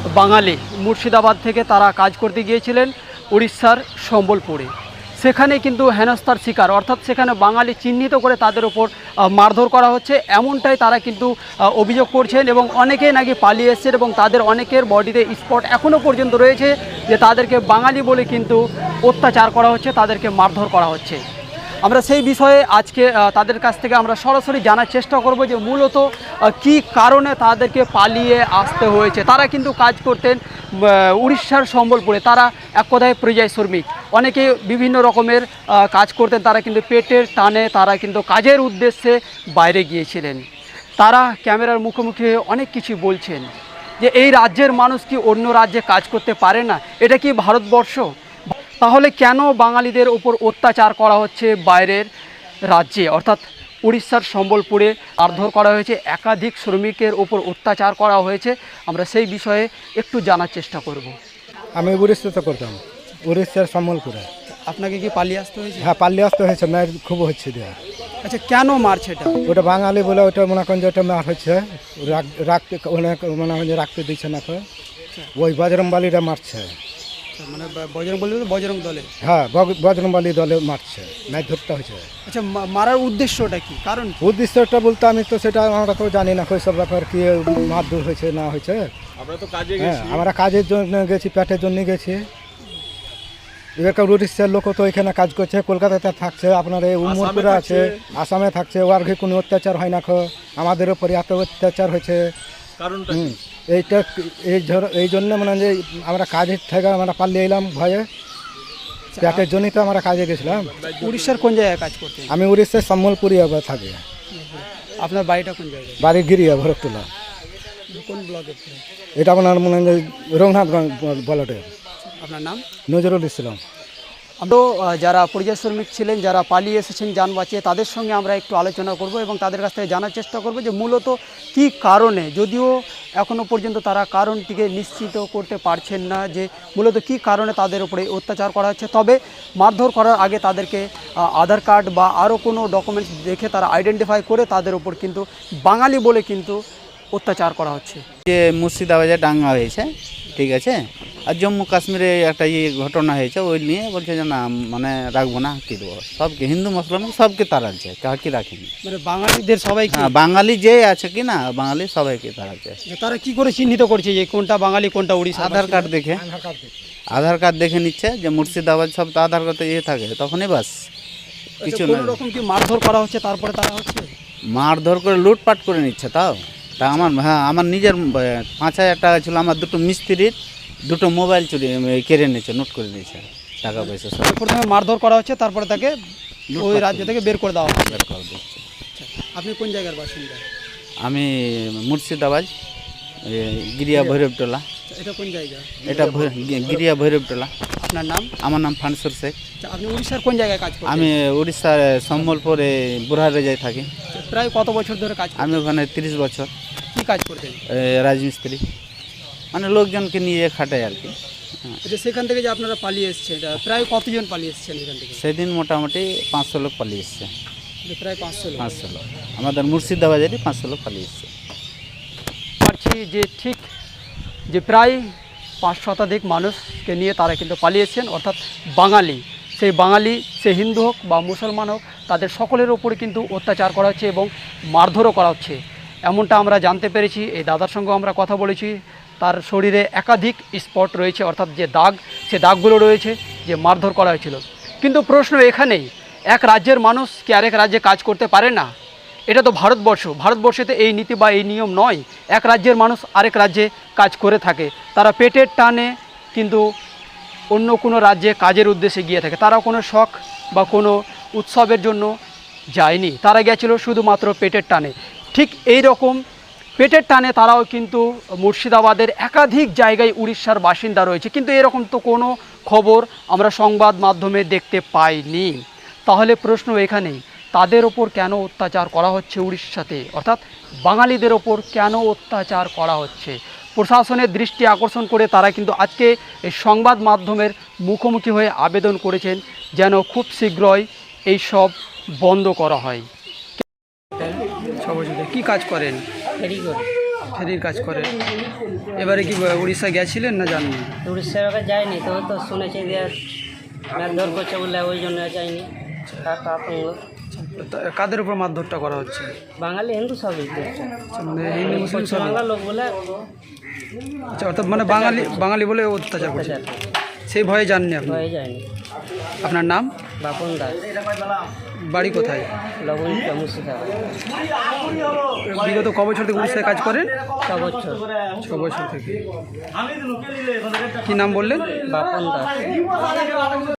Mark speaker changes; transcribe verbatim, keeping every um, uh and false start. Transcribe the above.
Speaker 1: বাঙালি মুর্শিদাবাদ থেকে তারা কাজ করতে গিয়েছিলেন উড়িষ্যার সম্বলপুরে। সেখানে কিন্তু হেনস্থার শিকার, অর্থাৎ সেখানে বাঙালি চিহ্নিত করে তাদের ওপর মারধর করা হচ্ছে, এমনটাই তারা কিন্তু অভিযোগ করছেন। এবং অনেকেই নাকি পালিয়ে এসছেন এবং তাদের অনেকের বডিতে স্পট এখনও পর্যন্ত রয়েছে যে তাদেরকে বাঙালি বলে কিন্তু অত্যাচার করা হচ্ছে, তাদেরকে মারধর করা হচ্ছে। আমরা সেই বিষয়ে আজকে তাদের কাছ থেকে আমরা সরাসরি জানার চেষ্টা করব যে মূলত কি কারণে তাদেরকে পালিয়ে আসতে হয়েছে। তারা কিন্তু কাজ করতেন উড়িষ্যার সম্বলপুরে, তারা এক কথায় পরিযায়ী শ্রমিক, অনেকে বিভিন্ন রকমের কাজ করতেন, তারা কিন্তু পেটের টানে তারা কিন্তু কাজের উদ্দেশ্যে বাইরে গিয়েছিলেন। তারা ক্যামেরার মুখোমুখি হয়ে অনেক কিছু বলছেন যে এই রাজ্যের মানুষ কি অন্য রাজ্যে কাজ করতে পারে না? এটা কি ভারতবর্ষ? তাহলে কেন বাঙালিদের ওপর অত্যাচার করা হচ্ছে বাইরের রাজ্যে, অর্থাৎ উড়িষ্যার সম্বলপুরে মারধর করা হয়েছে, একাধিক শ্রমিকের ওপর অত্যাচার করা হয়েছে? আমরা সেই বিষয়ে একটু জানার চেষ্টা করব।
Speaker 2: আমি উড়িষ্যাতে করতাম, উড়িষ্যার সম্বলপুরে।
Speaker 1: আপনাকে কি পালিয়ে আসতে হয়েছে?
Speaker 2: হ্যাঁ, পালিয়ে আসতে হয়েছে, মায়ের খুব হচ্ছে দেওয়া।
Speaker 1: আচ্ছা, কেন মারছে এটা?
Speaker 2: ওটা বাঙালি বলে ওটা মনে করেন যে ওটা মার হচ্ছে, রাখতে অনেক মনে হয় যে রাখতে দিচ্ছে না, তো ওই বজরংবলীরা মারছে।
Speaker 1: মানে বজরংবলী বজরং দলে? হ্যাঁ,
Speaker 2: বজরংবলী দলে মারছে, ম্যাচ ধরতে হয়েছে।
Speaker 1: আচ্ছা, মারার উদ্দেশ্যটা কি, কারণ?
Speaker 2: উদ্দেশ্যটা বলতে আমি তো সেটা আমরা তো জানি না ওই সব ব্যাপার, কি মারধর হয়েছে না হয়েছে। হ্যাঁ, আমরা কাজের জন্য গেছি, পেটের জন্য গেছি। এবার উড়িষ্যার লোক তো এখানে কাজ করছে, কলকাতাতে থাকছে, আপনার এই উমরপুরে আছে, আসামে থাকছে, ওর কোনো অত্যাচার হয় না। আমাদের উপরে এত অত্যাচার হয়েছে, কারণটা এইটা এই এই জন্য মানে যে আমরা কাজের থেকে আমরা পালিয়ে এলাম ভয়ে, পেটের জন্যই তো আমরা কাজে গেছিলাম।
Speaker 1: উড়িষ্যার কোন জায়গায় কাজ করতে?
Speaker 2: আমি উড়িষ্যার সম্বলপুরি থাকি।
Speaker 1: আপনার বাড়িটা কোন জায়গায়?
Speaker 2: বাড়ি গিরিয়া, ভরতলা।
Speaker 1: কোন ব্লকে?
Speaker 2: এটা আপনার মনে হয় রঘুনাথগঞ্জ ব্লকে।
Speaker 1: আপনার নাম?
Speaker 2: নজরুল ইসলাম।
Speaker 1: আমরা যারা পরিযায়ী শ্রমিক ছিলেন, যারা পালিয়ে এসেছেন যান বাঁচিয়ে, তাদের সঙ্গে আমরা একটু আলোচনা করব এবং তাদের কাছ থেকে জানার চেষ্টা করব যে মূলত কি কারণে, যদিও এখনও পর্যন্ত তারা কারণটিকে নিশ্চিত করতে পারছেন না যে মূলত কি কারণে তাদের উপরে অত্যাচার করা হচ্ছে। তবে মারধর করার আগে তাদেরকে আধার কার্ড বা আরও কোনো ডকুমেন্টস দেখে তারা আইডেন্টিফাই করে তাদের উপর কিন্তু বাঙালি বলে কিন্তু অত্যাচার করা হচ্ছে।
Speaker 3: যে মুর্শিদাবাদে দাঙ্গা হয়েছে, ঠিক আছে, আর জম্মু কাশ্মীরে একটা ইয়ে ঘটনা হয়েছে, ওই নিয়ে বলছে যে না মানে রাখবো না, কী দেবো, সবকে হিন্দু মুসলমান সবকে তাড়াচ্ছে, কাকে রাখেনি, মানে
Speaker 1: বাঙালিদের সবাই।
Speaker 3: হ্যাঁ, বাঙালি যে আছে কি না, বাঙালি সবাইকে তাড়াচ্ছে।
Speaker 1: তারা কি করে চিহ্নিত করছে যে কোনটা বাঙালি কোনটা উড়িষ্যা?
Speaker 3: আধার কার্ড দেখে, আধার কার্ড দেখে নিচ্ছে যে মুর্শিদাবাদ, সব তো আধার কার্ডে ইয়ে থাকে, তখনই বাস, কিছু না।
Speaker 1: রকম কি মারধর করা হচ্ছে তারপরে তারা হচ্ছে
Speaker 3: মারধর করে লুটপাট করে নিচ্ছে। তাও তা আমার, হ্যাঁ, আমার নিজের পাঁচ হাজার টাকা ছিল, আমার দুটো মিস্ত্রির দুটো মোবাইল চুরি কেড়ে নিয়েছে, নোট করে নিয়েছে, টাকা পয়সা সব।
Speaker 1: প্রথমে মারধর করা হচ্ছে, তারপরে তাকে ওই রাজ্য থেকে বের করে দেওয়া হবে।
Speaker 3: বের করে দিচ্ছে।
Speaker 1: আপনি কোন জায়গার বাসিন্দা?
Speaker 3: আমি মুর্শিদাবাদ, গিরিয়া ভৈরবটোলা।
Speaker 1: এটা কোন জায়গা?
Speaker 3: এটা গিরিয়া ভৈরবটোলা।
Speaker 1: আপনার নাম?
Speaker 3: আমার নাম ফানসুর শেখ।
Speaker 1: আপনি উড়িষ্যার কোন জায়গায় কাজ করেন?
Speaker 3: আমি উড়িষ্যার সম্বলপুরে বুড়ারেজায় থাকি।
Speaker 1: প্রায় কত বছর ধরে কাজ?
Speaker 3: আমি ওখানে তিরিশ বছর।
Speaker 1: কি কাজ করতেন?
Speaker 3: রাজমিস্ত্রি, মানে লোকজনকে নিয়ে খাটাই আর কি।
Speaker 1: সেখান থেকে যে আপনারা পালিয়ে এসছেন, প্রায় কতজন পালিয়ে এসছেন এখান থেকে?
Speaker 3: সেদিন মোটামুটি পাঁচশো লোক পালিয়ে এসছে।
Speaker 1: প্রায় পাঁচশো লোক?
Speaker 3: পাঁচশো লোক আমাদের মুর্শিদাবাদেরই পাঁচশো লোক পালিয়ে এসছে।
Speaker 1: পারছি যে ঠিক যে প্রায় পাঁচ শতাধিক মানুষকে নিয়ে তারা কিন্তু পালিয়েছেন, অর্থাৎ বাঙালি, সেই বাঙালি সে হিন্দু হোক বা মুসলমান হোক, তাদের সকলের ওপরে কিন্তু অত্যাচার করা হচ্ছে এবং মারধরও করা হচ্ছে, এমনটা আমরা জানতে পেরেছি। এই দাদার সঙ্গে আমরা কথা বলেছি, তার শরীরে একাধিক স্পট রয়েছে, অর্থাৎ যে দাগ, সে দাগগুলো রয়েছে যে মারধর করা হয়েছিল। কিন্তু প্রশ্ন এখানেই, এক রাজ্যের মানুষ কি আরেক রাজ্যে কাজ করতে পারে না? এটা তো ভারতবর্ষ, ভারতবর্ষেতে এই নীতি বা এই নিয়ম নয়। এক রাজ্যের মানুষ আরেক রাজ্যে কাজ করে থাকে, তারা পেটের টানে কিন্তু অন্য কোনো রাজ্যে কাজের উদ্দেশ্যে গিয়ে থাকে। তারা কোনো শখ বা কোনো উৎসবের জন্য যায়নি, তারা গিয়েছিল শুধুমাত্র পেটের টানে। ঠিক এই রকম পেটের টানে তারাও কিন্তু মুর্শিদাবাদের একাধিক জায়গায় উড়িষ্যার বাসিন্দা রয়েছে, কিন্তু এরকম তো কোনো খবর আমরা সংবাদ মাধ্যমে দেখতে পাইনি। তাহলে প্রশ্ন এখানেই, তাদের ওপর কেন অত্যাচার করা হচ্ছে উড়িষ্যাতে, অর্থাৎ বাঙালিদের ওপর কেন অত্যাচার করা হচ্ছে? প্রশাসনের দৃষ্টি আকর্ষণ করে তারা কিন্তু আজকে এই সংবাদ মাধ্যমের মুখোমুখি হয়ে আবেদন করেছেন যেন খুব শীঘ্রই এই সব বন্ধ করা হয়। কি কাজ করেন? ফেরির কাজ করে। এবারে কি উড়িষ্যা গেছিলেন না যাননি?
Speaker 4: উড়িষ্যার ওখানে যায়নি, তো তো শুনেছি যে মারধর করছে বলে ওই জন্য যায়নি। একটা আতঙ্ক।
Speaker 1: তা কাদের উপর মারধরটা করা হচ্ছে?
Speaker 4: বাঙালি হিন্দু সবই করছে।
Speaker 1: আচ্ছা, মানে হিন্দু মুসলিম সব?
Speaker 4: বাংলা লোক বলে
Speaker 1: আচ্ছা, অর্থাৎ মানে বাঙালি বাঙালি বলে অত্যাচার করছে,
Speaker 4: অত্যাচার
Speaker 1: সেই ভয়ে যাননি আপনি?
Speaker 4: হয়ে যায়নি।
Speaker 1: আপনার নাম?
Speaker 4: বাপন দাস,
Speaker 1: বাড়ি কোথায়?
Speaker 4: লবণ মুর্শিদাবাদ।
Speaker 1: বিগত ক বছর থেকে উড়িষ্যায় কাজ করেন?
Speaker 4: ছ বছর।
Speaker 1: ছ বছর থেকে। কি নাম বললেন?
Speaker 4: বাপন দাস।